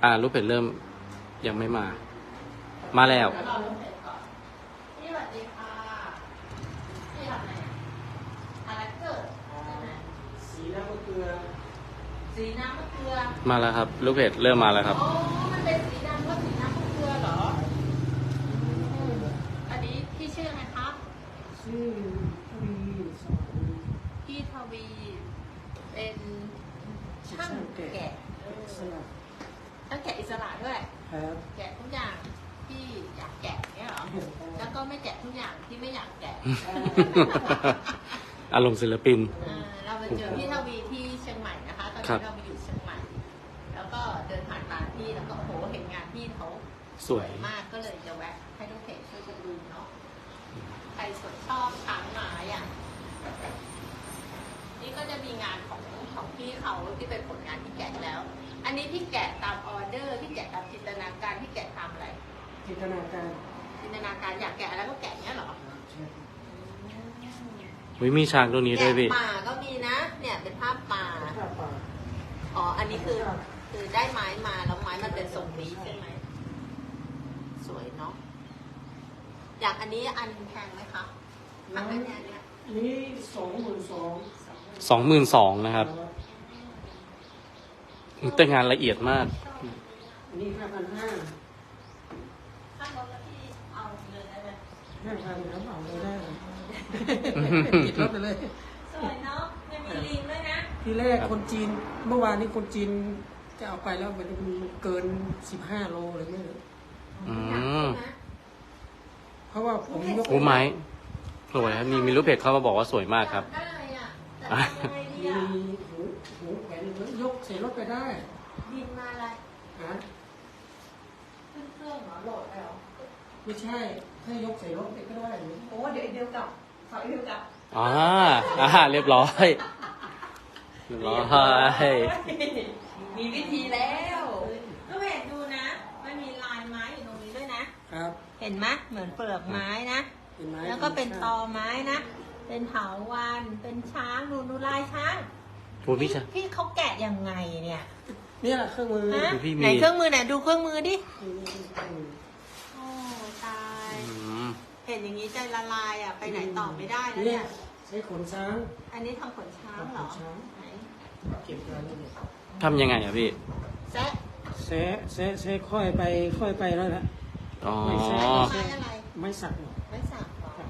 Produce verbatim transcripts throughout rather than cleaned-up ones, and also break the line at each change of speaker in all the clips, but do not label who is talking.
อ่าลูกเพจเริ่มยังไม่มา มาแล้ว
พี่สวัสดีค่ะพี่ทำอะไรอะไรเกิดใช่ไหม
สีน้ำมะเกลือ
สีน้ำมะเกลือ
มาแล้วครับ ลูกเพจเริ่มมาแล้วครับ
อ๋อมันเป็นสีดำก็สีน้ำมะเกลือเหรออันนี้พี่ชื่ออะไรครับ
ชื่อทวีสอน
พี่ทวีเป็นช่างแกะ
สลับ
ช่างแกะอิสระด้วย
ครับ
แกะทุกอย่างที่อยากแกะเนี่ยเหรอแล้วก็ไม่แกะทุกอย่างที่ไม่อยากแกะ
อารมณ์ศิลปิน
เอ่อเราไปเจอพี่ทวีที่เชียงใหม่นะคะ ตอน
ครั
นี้
บ
เราไปอยู่เชียงใหม่ แล้วก็เดินผ่านร้านพี่แล้วก็โอ้โหเห็นงานพี่เขา
สวย
มากก็เลยจะแวะให้ลูกเพจช่วยกันดูเนาะใครสนชอบช้างไม้อ่ะนี่ก็จะมีงานของของพี่เขาที่เป็นผลงานที่แกะแล้ว อันนี้พี่แกะตามออเดอร์พี่แกะตามจินตนาการพี่แกะตามอะไร
จินตนาการ
จินตนาการอยากแกะอะไรก็แกะเนี้ยเหรอ
ใช่
วิมีช้างตัวนี้ด้วยพี่
แกะป่าก็มีนะ เนี่ยเป็นภาพป่า
ข้าวปลา
อ๋อ อันนี้คือคือได้ไม้มาแล้วไม้มันเป็นทรงนี้ใช่ไหม สวยเนาะ อย่างอันนี้อันแพงไหมคะอันนี้เนี่ย
นี่สองหมื่นสอง
สองหมื่นสองนะครับ แต่งานละเอียดมาก
นี่ห้าพันห้า
ถ้าลดแล้วพี่เอาเลยได้ไหม
ห้าพันครับเอาเลยได้ติดรถไปเลย
สวยเนาะยังมีลิงด้วยนะ
ทีแรกคนจีนเมื่อวานนี้คนจีนจะเอาไปแล้วมันเกินสิบห้าโลเลยไม่รู้
อืม
เพราะว่าผมยก
โอ้ไม้สวยครับมีมีลูกเพจเข้ามาบอกว่าสวยมากครับ
ได้อะแต่ทำยังไงดี
มี
อะ
หูหูแขวนยกใส่รถไปได้
บินมาอะไร
ฮะ
ขึ้นเครื่องเหรอโหลดไปเหรอ
ไม่ใช่ถ้ายกใส่รถไปก็ได้
โอ้เดี๋ยวเดียวกลับขอเดียวกลับ
อ่าอ่าเรียบร้อย เรียบร้อย
มีวิธีแล้วก็เห็นดูนะมันมีลายไม้อยู่ตรงนี้ด้วยนะ
ครับ
เห็นไหมเหมือนเปลือกไม้นะ
เห็นไหม
แล้วก็เป็นตอไม้นะ เป็นเถาวันเป็นช้างดูดูลายช้าง
โอ้พี่ช้าง
พี่เขาแกะยังไงเนี่ย
เนี่ยเครื่องมือ
ฮะ
ดูพี่มี
ไหนเครื่องมือไหนดูเครื่องมือดิโอ้ตาย
อืม
เห็นอย่างนี้ใจละลายอ่ะไปไหนต่อไม่ได้แล้ว
เนี่
เนี่ย ย
ใช้ขนช้าง
อันนี้ทำขนช้างเหรอ
ทำขนช้าง
ไหน
เก็บรายละเอียด
ทำยังไงอะพี่
แซะ
แซะแซะแซะค่อยไปค่อยไปแล้วนะ
อ๋อ
ไม่ใช่
ไม้อะไร
ไม่สักหรอก
ไม่สักหรอง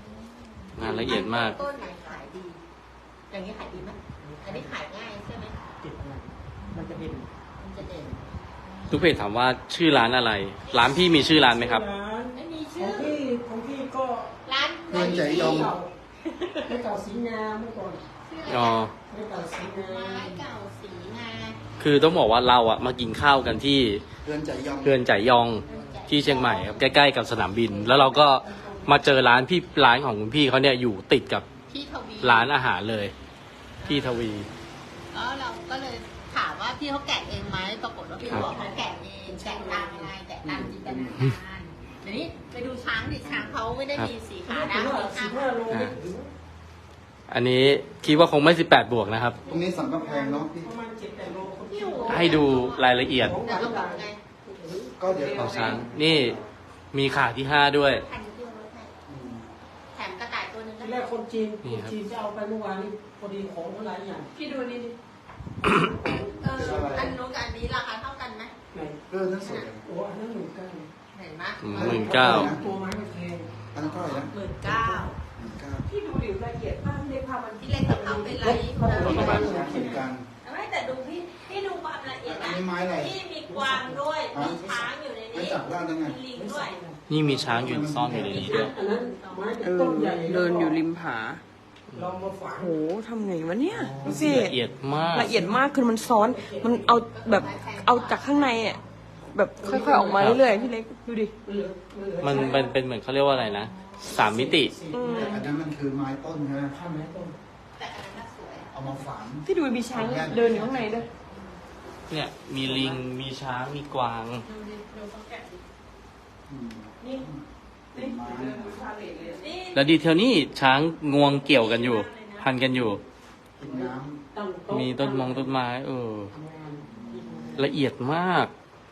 านละเอียดมาก
ต้นไหนขายดี อย่างนี้ขายดีไหมอันนี้ขายง่ายใช่ไหม
ติดอะไรมันจะเด่น
มันจะเด่น
ลูกเพจถามว่าชื่อร้านอะไร ร้านพี่มีชื่อร้านไหมครับ
ร้าน
ไม่มี
ขอ
ชื่
ง
อ
พี่ของพี่ก็
ร้าน
เงินใจยอม
เก่าไม่เก่าสีงามเมื่อก่อน
ชื่อ
อ๋อ
ไม่เก่าสีงา
ไม้
ม
เก่าสีงา
คือต้องบอกว่าเราอะมากินข้าวกันที่
เพื่อนใจยอม
เรือนจ่ายยองที่เชียงใหม่ครับใกล้ๆกับสนามบิน แล้วเราก็มาเจอร้านพี่ร้านของคุณพี่เขาเนี่ยอยู่ติดกับ
พี่ทวี
ร้านอาหารเลย พี่ทวี
แล้วเราก็เลยถามว่าพี่เขาแกะเองไหมปรากฏว่าพี่
ครับ
บอกเขาแกะเองแกะตามอะไรแกะตามจินตนาการเดี๋ยวนี้ไปดูช้างดิช้างเขาไม่ได้มีสีขา
ถึ
ดำ
งว่า
สี
สิบ
ขา
ห้าโลไม่ถึง
อันนี้คิดว่าคงไม่สิบแปดบวกนะครับ
ตรงนี้สังกำแพงเนาะพี่
ประมาณเจ็ดแปดโลคน
พี่หู
ให้ดูรายละเอียด
ของ
เดี๋ยว
หวาน
เราบอก
ต่าง
ไง
ก็เดี๋ยว
ของช้างนี่มีขาที่ห้าด้วย
แถมที่รถให้แถมกระต่ายตัวหนึง
ที
นะ
แรกคนจีน
นี่
คน
ครับ
จีนจะเอาไปเมื่อวานนี้พอดีของเขาหลายอย่าง
พี่ดูนี่ดิเอออันนู้นกับอันนี้ราคาเท่ากันไหม
ไหน
เรื่องนั้นสวยจัง
โอ้อันนั้นหมื่นเก้า
เห็นไหม
หมื่นเก้า
ตัวไม้ไม่แพง
อันนั้นเท่าไหร่นะ
หมื่นเก้า
หนึ่งเก้า
พี่ดูดิละเอียดมากเลยค่ะมัน
พี่เล็กกับเขาเป็นไร
เขาบอกประมาณหมื่น
เหมือนกัน
ไม่แต่ดูพี่พี่ดูความละเอียด
อัน
นะ
นี้ไม้อะไร
พี่มีกวางด้วยมีช้างอยู่ใน
ไม่
นี้
จับได้ยังไง
มีลิงด้วย
นี่มีช้างอยู่ซ่อนอยู่ในนี้ด้วย
อันนั้นไม้
เออ
ต้นใหญ่
เดินอยู่ริมผา
ลองมาฝัง
โหทำไงวะเนี่ยดูสิ
ละเอียดมาก
ละเอียดมากคือมันซ้อน มันเอาแบบเอาจากข้างในอ่ะแบบค่อยๆออกมาเรื่อยๆพี่เล็กดูดิ
มันเป็นเป็นเหมือนเขาเรียกว่าอะไรนะสามมิติ
อืม
แต่อันนั้นมันคือไม้ต้นใช่ไหม
ข้ามไม้ต้น
แต่อันนั้นน่ะสวย
เอามาฝัง
ที่ดูมีช้างเดินอยู่ข้างในด้วย
เนี่ยมีลิงมีช้างมีกวาง
ดูดิดูเขาแกะดิ
อืม
นี่
เป็นไม้
นี่
แล้วดีเทลนี่ช้างงวงเกี่ยวกันอยู่ พันกันอยู่
กินน้
ตั้งโต๊ะ
มีต้นมองต้นไม้ เออ ละเอียดมาก
ำ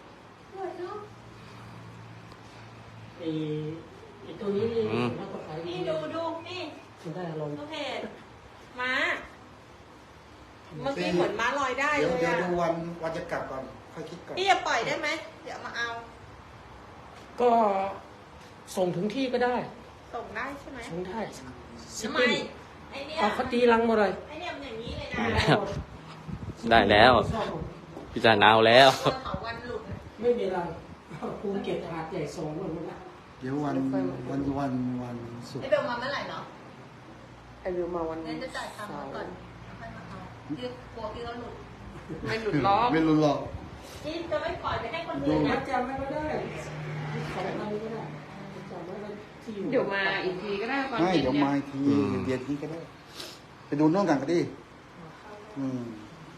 อ้ไอ้ตัวนี้นี่
อืม
แล้วก็ขาย
นี่ดูดูนี่
มันได้อารมณ์
ลูกเพจม้า เมื่อกี้เหมือนม้าลอยได้
เดี๋ยว
เลย
เดี๋ยว
อะ
ดูวันวันจะกลับก่อนค่อยคิดก่อน
พี่จะปล่อยได้ไหมเดี๋ยวมาเอา
ก็ส่งถึงที่ก็ได้
ส่งได้ใช่ไหม
ส่งได้
ทำไมไอเนี้ย
เอาเขาตีรังมาเลย
ไอเนี้ยมันอย่างนี้เลยนะ
ได้แล้วพี่จันเอาแล้ว
เสื้อเขาวันหลุดนะ
ไม่มีรังภูเก็ตหาดใหญ่ส่งหมดแล้ว
เดี๋ยววันวันวันวันศุก
ไอ
ร์
เบลมาเมื่อไหร่เนาะ
ไอ้วิวมาวัน
เน้นจะจ่ายตังค์มาก่อนค่อยมาเอาพี่กลัวพี่เขาหลุด
ไม่หลุดล้อ
ไม่รู้หรอก
พี่จะไม่ปล่อยไปให้คนอื่น
มั
นะ
ดจำไม่ก็ได้สองพันก็ได้จำไม่ได้ที่อยู่
เดี๋ยวมาอีกทีก็ได้ก่อน
ไม่
ย็น
เดี๋ยว
นี่
มาอีกที
อืม
เย็นนี้ก็ได้ ไปดูโน่นกันก็ดีอืม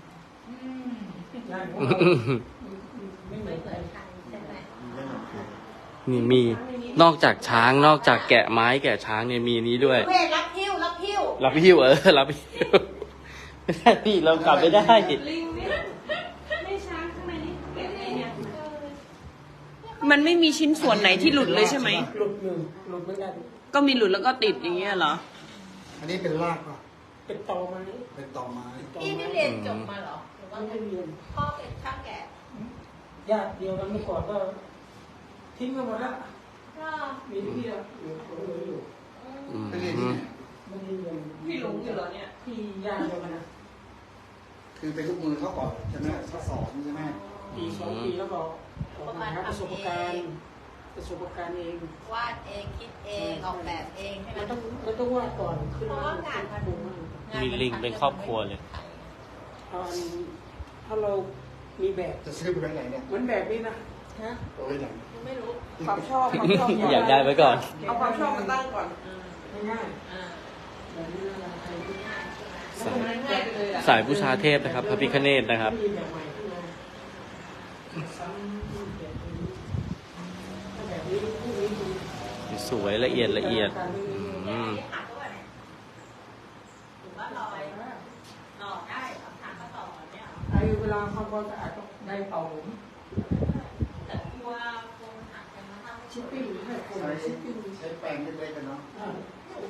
ได้เพราะไม่เหมื
ไม่
อน
เหมื
กั
อน นกันใช่ไหม
นี่มีนอกจากช้างนอกจากแกะไม้แกะช้างเนี่ยมีนี้ด้วย
เวทรับหิ้วรับหิ้ว
รับหิ้วเออรับหิ้วไม่ได้พี่เรากลับไม่ได้
ลิงเนี่ยไม่ช้างข้างในนี่เก็บไงเนี่ยมันไม่มีชิ้นส่วนไหนที่หลุดเลยใช่ไหม
หลุดหนึ่งหลุดเหมือนกัน
ก็มีหลุดแล้วก็ติดอย่างเงี้ยเหรอ
อันนี้เป็นรากป่ะ
เป็นตอไม้
เป็นตอไม้
พี่นี่เรียนจบมาเหรอหรือว่า
ไม่ได้เรียน
พ่อเป็นช่างแกะ
ญาติเดียวกันเมื่อก่อนก็ทิ้งกันหมดแล้ว
ก็
มีที่อะอยู่ผมเลยอยู่
อืม
ไปเรียนที่ไหน
ไม่ได้เรียน
พี่หลงอยู่เหรอเนี่ย
ที่ญาติเดียวกันนะ
คือเป็นลูกมือเขาก่อนใช่ไหมเขาสอนใช่ไหม
ปีสองปีแล้วก็ออกมาหาประสบการณ์ประสบการณ์เอง
วาดเองคิดเองออกแบบเองใช่ไหม
มันต้องมันต้องวาดก่อนขึ้น
เพราะ
มา
ว่างานมัน
ปรุงมัน
มีลิงเป็นครอบครัวเลย
เอาอันถ้าเรามีแบบ
จะซื้อไปไว้ไหนเนี่ย
เหมือนแบบนี้นะ
ฮะ
เอาไว้ไหน
ยังไม่รู้
ความชอบความชอบ
อยากได้ไว้ก่อน
เอาความชอบมาตั้งก่อน
ง่าย
อ่า
ๆแบบนี้นะใครที่
ง่ายใช่ไหม
สายสายบูชาเทพนะครับ พระพิฆเนศนะครับ
มีแบบใหม่ขึ้นมาซ้ำแบบนี้ถ้าแบบนี้พวกนี้ดู
สวยละเอียดละเอียดอืม
ที่หักก็แบบหรือว่าลอยหล่อได้คำถามก็ต่อเนี่ยเหรอ
ไอ้เวลาทำความสะอาดก็ได้เป่าผม
แต่กลัวคงหักกันมาทำ
ชิปปิ้งให้คน
ใช้
ชิปปิ้ง
ใช้แปรงเล็กๆกันเนาะ
อ่า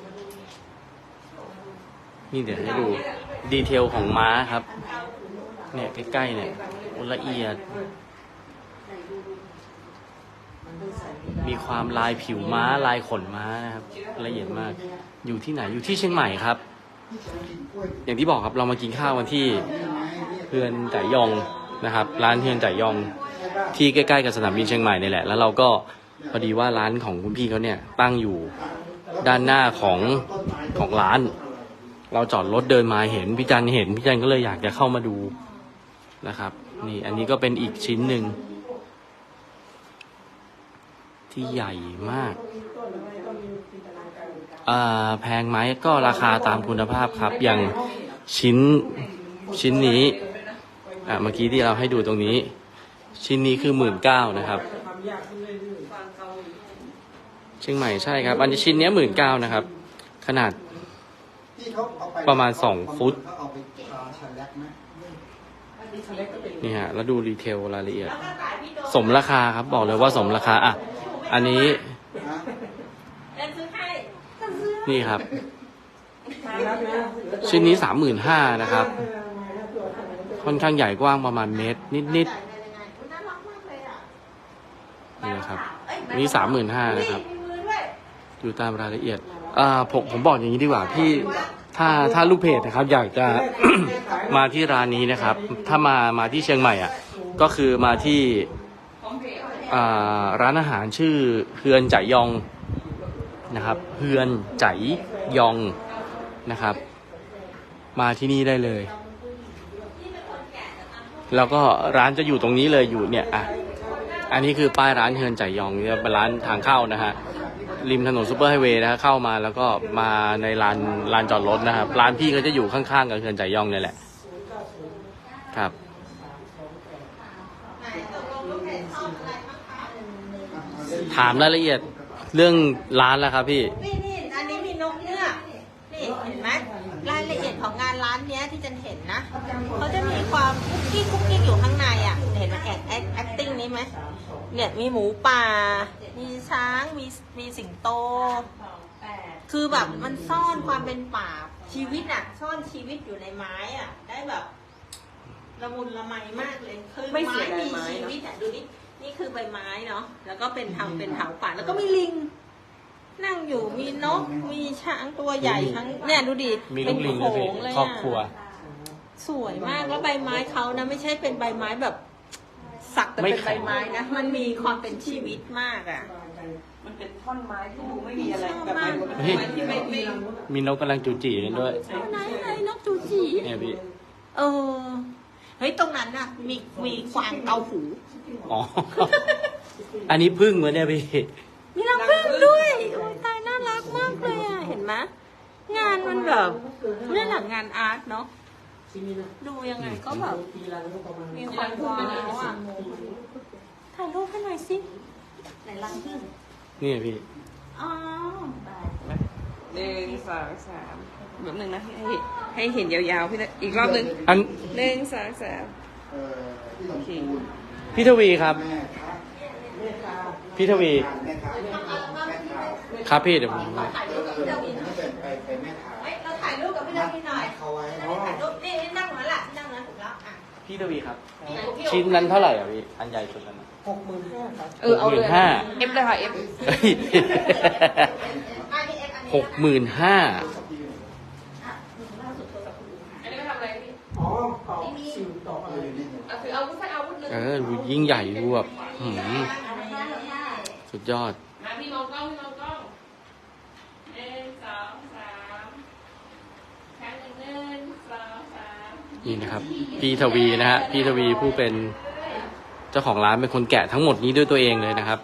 นี่เดี๋ยวให้ดูดีเทลของม้าครับ เนี่ยใกล้ๆเนี่ยโอ้ละเอียด มีความลายผิวม้าลายขนม้านะครับ ละเอียดมาก อยู่ที่ไหนอยู่ที่เชียงใหม่ครับ อย่างที่บอกครับเรามากินข้าวกันที่เฮือนจ่ายยองนะครับ ร้านเฮือนจ่ายยองที่ใกล้ๆกับสนามบินเชียงใหม่นี่แหละ แล้วเราก็พอดีว่าร้านของคุณพี่เขาเนี่ยตั้งอยู่ด้านหน้าของของร้าน เราจอดรถเดินมาเห็นพี่จันเห็นพี่จันก็เลยอยากจะเข้ามาดูนะครับ นี่อันนี้ก็เป็นอีกชิ้นหนึ่งที่ใหญ่มากอ่าแพงไหมก็ราคาตามคุณภาพครับ อย่างชิ้นชิ้นนี้อ่าเมื่อกี้ที่เราให้ดูตรงนี้ ชิ้นนี้คือหมื่นเก้านะครับ
ทำยากขึ้นเรื่อย
เชียงใหม่ใช่ครับ อันนี้ชิ้นนี้หมื่นเก้านะครับ ขนาด
ที่เขาเอาไป
ประมาณสองฟุต
เขาเอาไปทาชันแลกไหม
ๆทะเลก็เป็น
นี่ฮะแล้วดูดีเทลรายละเอียด
แล้วก็ขายพี่โด
สมราคาครับบอกเลยว่าสมราคาอ่ะอันนี้
ฮะ
เดินซื้อให้ก็ซื้อ
นี่ครับ
มาแล้วนะ
ชิ้นนี้สามหมื่นห้านะครับ ค่อนข้างใหญ่กว้างประมาณเมตร นิด
จ่ายในรายงานอุ๊ยน่ารักมากเลยอ่ะ
ๆนี่นะครับ
เอ้ย
อันนี้สามหมื่นห้านะครับ
มีมือด้วย
อยู่ตามรายละเอียดอ่าผมผมบอกอย่างนี้ดีกว่าพี่ถ้าถ้าลูกเพจนะครับ อยากจะ มาที่ร้านนี้นะครับ ถ้ามามาที่เชียงใหม่อ่ะก็คือมาที่อ่าร้านอาหารชื่อเฮือนจ่ายยองนะครับเฮือนจ่ายยองนะครับ มาที่นี่ได้เลย แล้วก็ร้านจะอยู่ตรงนี้เลยอยู่เนี่ยอ่ะอันนี้คือป้ายร้านเฮือนจ่ายยองเนี่ยเป็นร้านทางเข้านะฮะริมถนนซูเปอร์ไฮเวย์นะฮะเข้ามาแล้วก็มาในลานลานจอดรถนะครับร้านพี่ก็จะอยู่ข้างๆกับเฮือนจ่ายยองเนี่ยแหละครับ
ไหนตกลงลูกเพจชอบอะไรบ้างคะ
ถามรายละเอียดเรื่องร้านแล้วครับพี่
นี่นี่อันนี้มีนกเงือกนี่เห็นไหมรายละเอียดของงานร้านเนี้ยที่จันเห็นนะเขาจะมีความคุกกี้คุกกี้อยู่ข้างในอ่ะเห็นไหมแอคแอคติ้งนี้ไหมเนี่ยมีหมูป่า มีช้าง มีมีสิงโต คือแบบมันซ่อนความเป็นป่าชีวิตอ่ะ ซ่อนชีวิตอยู่ในไม้อ่ะ ได้แบบละมุนละไมมากเลย คือ
ไม่
ไม้
เสียดาย
มี
ไม้
ชี
เนอะ
วิตอ่ะดูนี่นี่คือใบไม้เนาะแล้วก็เป็นทำเป็นเถาป่าแล้วก็มีลิง นั่งอยู่มีนก มีช้างตัวใหญ่ทั้งเนี่ยดูดิ
มี
เป็
ลู
น
กลิง
โข
ด้วยพี่
งเลย
ครอบ
อ่ะ
ครัว
สวยมากแล้วใบไม้เขานะไม่ใช่เป็นใบไม้แบบสักแต่
ไม่
เป็น
แข็
ใบ
ง
ไม้นะมันมีความเป็นชีวิตมากอ่ะ
มันเป็นท่อนไม้ที่ดูไม่มีอะไรแบบ
ชอบมาก
เป็นไม้ที่ไม่ไม่
มีนกกำลังจูจีกันด้วย
ไหนไหนนกจูจี
เนี่ยพี่
เออเฮ้ยตรงนั้นน่ะ มีมีกวางเกาหู
อ๋อ อันนี้พึ่งเหมือนเนี่ยพี่
มีรังผึ้งด้วยโอ้ยตายน่ารักมากเลยอ่ะเห็นไหมงานมันแบบเนี่ยหลังงานอาร์ตเนาะดูยังไงก็แบบมีความว้าวอ่ะถ่ายรูปให้หน่อยสิไหนรังผึ้ง
นี่พี่
อ๋อ
หนึ่งสองสามแบบหนึ่งนะให้ให้เห็นยาวๆพี่นะอีกรอบหนึ่ง
อัน
หนึ่งสองสาม
เอ่อที่ลำพูน
พี่ทวีครับ
แม่ค้า
พี่ทวี
แม่ค้าแม่ค้า
ครับพี่เดี๋ยวผม
ถ่ายรูปกับพี่ดาวิน
ถ้าเป็นไปเป็นแม่ค้า
เฮ้ยเราถ่ายรูปกับพี่ดาวินหน่อย
เขาไว้
จะได้ถ่ายรูปนี่นี่นั่งเหมือนแหละนั่งนั้นถูกแล้วอ่ะ
พี่ทวีครับ
พี่
ชิ้นนั้นเท่าไหร่อ่ะพี่ อันใหญ่สุดนั้น
หกหมื่นห้าครับ
เออเอาเลย
หกหมื่นห้า
เอฟเลยค่ะเอฟ
เฮ้ย
อันนี้เอ็กอันนี้
หกหมื่นห้า
อันนี้ไม่ทำอะไรพี่
อ๋อต่อสิ่งต่ออะไร
เอาถืออาวุธสักอาวุธหนึ่ง
เออดูยิ่งใหญ่ดูแบบหืมสุดยอด
มาพี่มองกล้องพี่มองกล้องหนึ่งสองสามครั้งหนึ่งหนึ่งสองสาม
นี่นะครับ พี่ทวีนะฮะ พี่ทวีผู้เป็นเจ้าของร้านเป็นคนแกะทั้งหมดนี้ด้วยตัวเองเลยนะครับ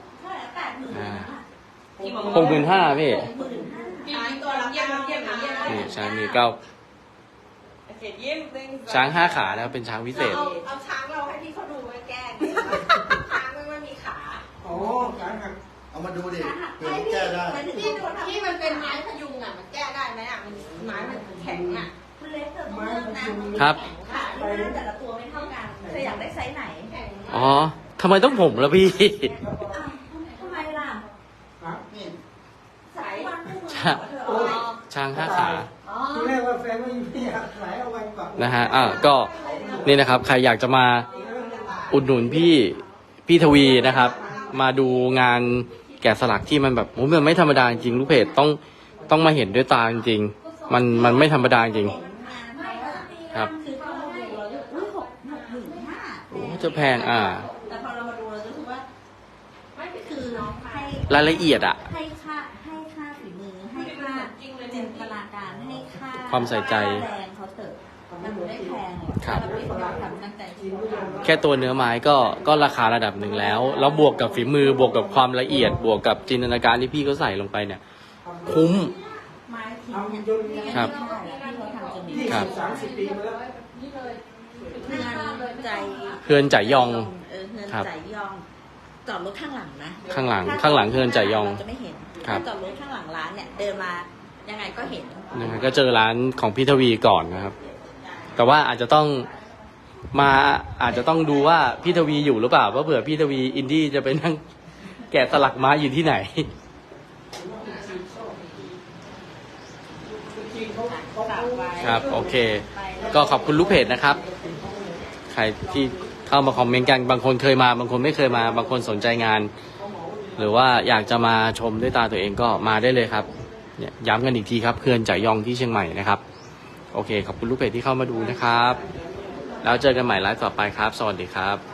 หกหมื่นห้าพี่
ช้างตัวละเก้าเยี่ยมเยี่ยม
นี่ช้างมีเก้า
โอเคยิ้มหนึ่งสอง
ช้างห้าขานะครับเป็นช้างพิเศษ
เอาเอาช้างเราให้พี่เขาดูไว้แกล้งช้างมันไม่มีขา
อ๋อการหัก
เอามาดูดิเผื่อแก้ได้
ที่ดูที่มันเป็นไม้พยุงอ่ะมันแก้ได้ไหมอ่ะมันไม้มันแข็งอ่ะ
คุณเล็กเธอต้องเลือกนะ
ครับ
ขาที่หน้าแต่ละตัวไม่เท่ากัน เธออยากได้ไซส์ไหน
แข็ง
อ๋อทำไมต้องผมล่ะพี่
อ้าวทำไมล่ะ
ครับ
นี่
สายวันคู่มือ
ช้าง
ของเธอ
อ๋อ
ช้างห้าขา
อ๋อ
ทีแรกว่าแฟนไม่อยู่ที่ครับไหลเอาไว้ก่อน
นะฮะ อ่ะก็นี่นะครับ ใครอยากจะมาอุดหนุนพี่พี่ทวีนะครับ มาดูงานแกะสลักที่มันแบบโอ้มันไม่ธรรมดาจริงลูกเพจต้องต้องมาเห็นด้วยตาจริงๆมันมันไม่ธรรมดาจริง ครับ
คือพอเราดูเราจะอุ้ยหกหกหมื่นห้า
โอ้จะแพงอ่า
แต่พอเรามาดูเราจะรู้สึกว่าไม่คือให้
รายละเอียดอ่ะ
ให้ค่าให้ค่าฝีมือ ให้ค่าจินตนาการให้ค่า
ความใส่ใจ
แรงเขาเถอะมันไม่แพงหรอก
ครับ
เราไม่ต้องทำตั้งใจจริง
แค่ตัวเนื้อไม้ก็ก็ราคาระดับหนึ่งแล้ว แล้วบวกกับฝีมือบวกกับความละเอียด บวกกับจินตนาการที่พี่เขาใส่ลงไปเนี่ย คุ้ม
ไม้ทิ้งเนี่ย
ครับ
ไม่ได้แล้วที่เขาทำจนมี
ยี่
ครับ
สิบสามสิบปีมาแล้ว
เพื่อนใจ
เฮือนจ่ายยอง
เออเฮือน
ครับ
ใจยอง จอดรถข้างหลังนะ
ข้างหลัง
ถ้
ข้างหลังเฮือนจ่ายยอง
เราจะไม่เห็น
ครับ
ถ้าจอดรถข้างหลังร้านเนี่ย เดินมายังไงก็เห็น
นะฮะก็เจอร้านของพี่ทวีก่อนนะครับ แต่ว่าอาจจะต้องมาอาจจะต้องดูว่าพี่ทวีอยู่หรือเปล่าเพราะเผื่อพี่ทวีอินดี้จะไปนั่งแกะสลักไม้อยู่ที่ไหน ครับโอเค ก็ขอบคุณลูกเพจนะครับ ใครที่เข้ามาคอมเมนต์กันบางคนเคยมา บางคนไม่เคยมา บางคนสนใจงาน หรือว่าอยากจะมาชมด้วยตาตัวเองก็มาได้เลยครับเนี่ยย้ำกันอีกทีครับเขื่อนจ่ายยองที่เชียงใหม่นะครับ โอเค ขอบคุณลูกเพจที่เข้ามาดูนะครับ แล้วเจอกันใหม่ไลฟ์ต่อไปครับ สวัสดีครับ